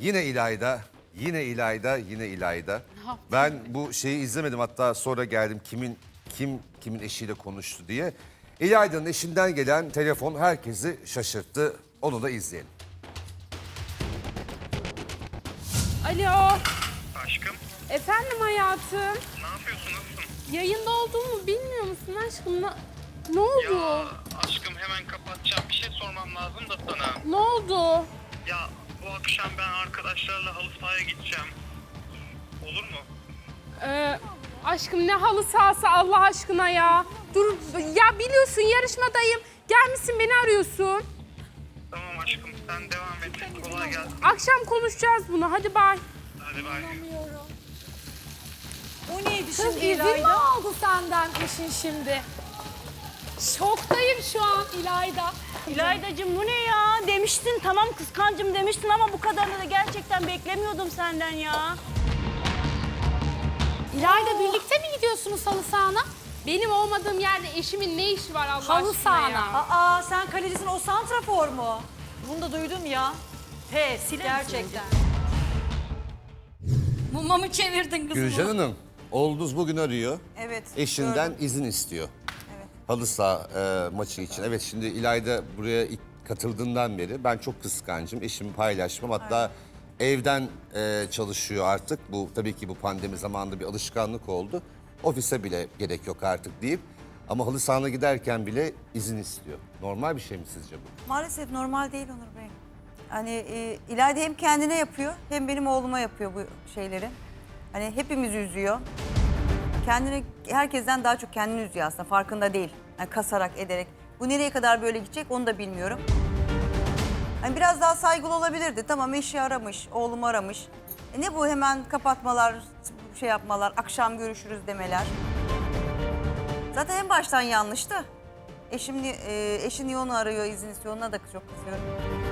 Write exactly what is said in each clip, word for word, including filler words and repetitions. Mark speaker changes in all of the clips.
Speaker 1: Yine İlayda, yine İlayda, yine İlayda. Ben bu şeyi izlemedim, hatta sonra geldim kimin kim kimin eşiyle konuştu diye. İlayda'nın eşinden gelen telefon herkesi şaşırttı. Onu da izleyelim.
Speaker 2: Alo.
Speaker 3: Aşkım,
Speaker 2: Efendim hayatım.
Speaker 3: ne yapıyorsun, nasılsın?
Speaker 2: Yayında olduğumu bilmiyor musun aşkım? Ne, ne oldu?
Speaker 3: Ya aşkım hemen kapatacağım. Bir şey sormam lazım da sana.
Speaker 2: Ne oldu?
Speaker 3: Ya bu akşam ben arkadaşlarla halı sahaya gideceğim. Olur mu?
Speaker 2: Ee, aşkım ne halı sahası Allah aşkına ya. Dur ya, biliyorsun yarışmadayım. Gelmişsin beni arıyorsun.
Speaker 3: Tamam aşkım, sen devam et. Kolay gelsin.
Speaker 2: Akşam konuşacağız bunu, hadi bay.
Speaker 3: Hadi bay.
Speaker 4: O neydi
Speaker 2: Kız
Speaker 4: şimdi
Speaker 2: izin mi
Speaker 4: İlayda?
Speaker 2: aldı senden eşin şimdi? Şoktayım şu an İlayda.
Speaker 4: İlaydacığım bu ne ya? Demiştin tamam kıskancım demiştin ama bu kadarını da gerçekten beklemiyordum senden ya.
Speaker 2: İlayda birlikte mi gidiyorsunuz halı sahana? Benim olmadığım yerde eşimin ne işi var Allah
Speaker 5: Halı
Speaker 2: aşkına ya?
Speaker 5: sahana.
Speaker 4: Aa sen kalecisin o santrafor mu? Bunu da duydum ya. Pes gerçekten.
Speaker 5: Mumamı çevirdin kızım.
Speaker 1: Gülcan Hanım, oğlunuz bugün arıyor.
Speaker 6: Evet.
Speaker 1: Eşinden
Speaker 6: gördüm.
Speaker 1: izin istiyor.
Speaker 6: Evet.
Speaker 1: Halı saha e, maçı için. Evet, şimdi İlayda buraya ilk katıldığından beri ben çok kıskancım. Eşimi paylaşmam. Hatta evden e, çalışıyor artık. Bu tabii ki bu pandemi zamanında bir alışkanlık oldu. Ofise bile gerek yok artık deyip. Ama halı sahana giderken bile izin istiyor. Normal bir şey mi sizce bu?
Speaker 6: Maalesef normal değil Onur Bey. Hani e, İlayda hem kendine yapıyor hem benim oğluma yapıyor bu şeyleri. Hani hepimizi üzüyor. Kendini herkesten daha çok kendini üzüyor aslında, farkında değil. Yani kasarak ederek. Bu nereye kadar böyle gidecek onu da bilmiyorum. Hani biraz daha saygılı olabilirdi. Tamam, eşi aramış, oğlumu aramış. E ne bu hemen kapatmalar, şey yapmalar, akşam görüşürüz demeler. Zaten en baştan yanlıştı. Eşim, ni- e, eşi niye onu arıyor, izin istiyor, ona da çok kızıyorum.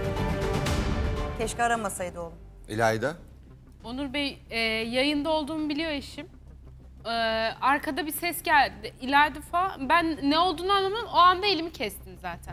Speaker 6: Keşke aramasaydı oğlum.
Speaker 1: İlayda?
Speaker 2: Onur Bey, e, yayında olduğumu biliyor eşim. E, arkada bir ses geldi. İlayda falan. Ben ne olduğunu anlamadım. O anda elimi kestim zaten.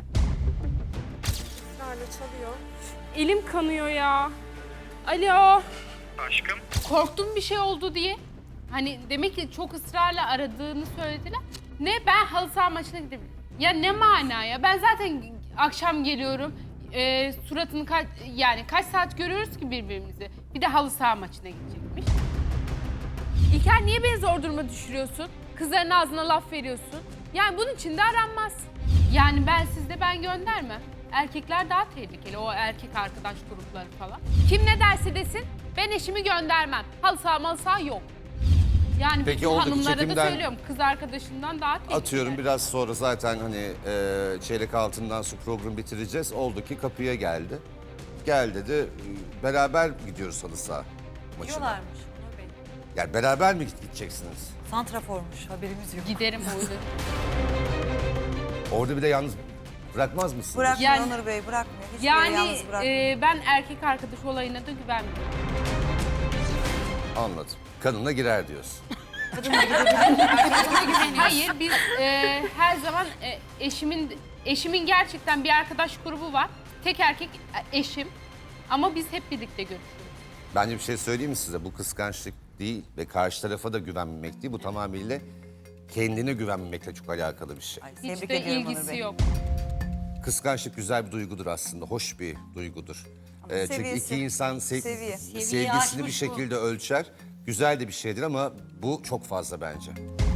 Speaker 2: çalıyor. Elim kanıyor ya. Alo.
Speaker 3: Aşkım,
Speaker 2: Korktum bir şey oldu diye. Hani demek ki çok ısrarla aradığını söylediler. Ne, ben halı saha maçına gidebilirim. Ya ne mana ya? Ben zaten akşam geliyorum. E, suratını kaç, yani kaç saat görüyoruz ki birbirimizi. Bir de halı saha maçına gidecekmiş. İlker, niye beni zor duruma düşürüyorsun? Kızların ağzına laf veriyorsun. Yani bunun için de aranmaz. Yani ben sizde ben göndermem. Erkekler daha tehlikeli, o erkek arkadaş grupları falan. Kim ne derse desin, ben eşimi göndermem. Halı saha malı saha yok. Yani
Speaker 1: Peki,
Speaker 2: bütün
Speaker 1: oradaki
Speaker 2: hanımlara da
Speaker 1: çekimden-
Speaker 2: söylüyorum, kız arkadaşından daha tehlikeli.
Speaker 1: Atıyorum biraz sonra zaten hani e, çeyrek altından sonra programı bitireceğiz. Oldu ki kapıya geldi. Gel dedi, e, beraber gidiyoruz halı saha maçına.
Speaker 6: Diyorlarmış Onur Bey.
Speaker 1: Yani beraber mi gideceksiniz?
Speaker 6: Santraformuş, haberimiz yok.
Speaker 2: Giderim oydu.
Speaker 1: Orada bir de yalnız bırakmaz mısınız?
Speaker 6: Bırakmıyor
Speaker 2: Yani-
Speaker 6: Onur Bey, bırakmıyor. Hiç böyle
Speaker 2: Yani
Speaker 6: yalnız bırakmıyor.
Speaker 2: e, ben erkek arkadaş olayına da güvenmiyorum.
Speaker 1: Anladım. Kadınla girer diyorsun.
Speaker 2: Hayır, biz e, her zaman e, eşimin eşimin gerçekten bir arkadaş grubu var. Tek erkek e, eşim. Ama biz hep birlikte görüşüyoruz.
Speaker 1: Bence bir şey söyleyeyim mi size? Bu kıskançlık değil ve karşı tarafa da güvenmemek değil. Bu tamamıyla kendine güvenmemekle çok alakalı bir şey.
Speaker 6: Ay,
Speaker 2: Hiç
Speaker 6: tebrik
Speaker 2: de
Speaker 6: ediyorum Onur
Speaker 2: ilgisi
Speaker 6: Bey.
Speaker 2: yok.
Speaker 1: Kıskançlık güzel bir duygudur aslında. Hoş bir duygudur. Ee, çünkü
Speaker 6: seviyesi,
Speaker 1: iki insan sev-
Speaker 6: seviye.
Speaker 1: sevgisini bir
Speaker 5: aşmış bu.
Speaker 1: şekilde ölçer. Güzel de bir şeydir ama bu çok fazla bence.